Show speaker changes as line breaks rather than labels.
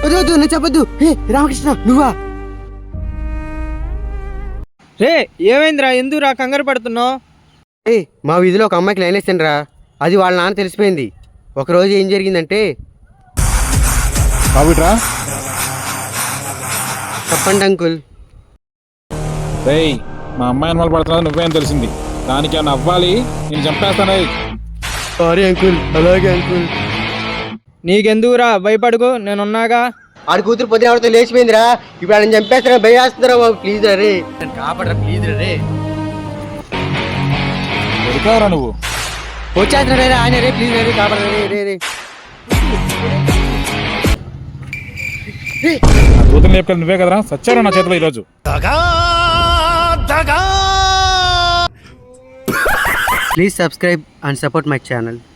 వద్దు నేను చెప్పొద్దు. హే రామకృష్ణ నువ్వా?
రే ఏమైందిరా, ఎందుకురా కంగారు పడుతున్నావు?
ఏ మా వీధిలో ఒక అమ్మాయికి లైన్ వేస్తాను రా, అది వాళ్ళ నాన్న తెలిసిపోయింది. ఒకరోజు ఏం జరిగిందంటే, చెప్పండి అంకుల్.
రేయ్ మా అమ్మాయి అనుమానం పడుతున్నది నువ్వేం తెలిసింది, దానికి ఏమన్నా అవ్వాలి, నేను చంపేస్తానే.
Sorry uncle. అలాగే అంకుల్.
నీకెందుకురా, భయపడుకో, నేనున్నాగా.
ఆడి కూతురు పొద్దున ఆవిడతో లేచిపోయిందిరా. ఇప్పుడు ఆయన చంపేస్తారా, భయవేస్తున్నారా బాబు, ప్లీజ్ రే కాపాడరా, ప్లీజ్ రే.
దొరికావరా నువ్వు?
వచ్చేస్తున్నా రే ఆయన రే, ప్లీజ్ రే కాపాడరా రే రే.
నా కూతురు లేపుకెళ్ళి నువ్వే కదరా, సచ్చారా నా చేతిలో ఈరోజు.
Please subscribe and support my channel.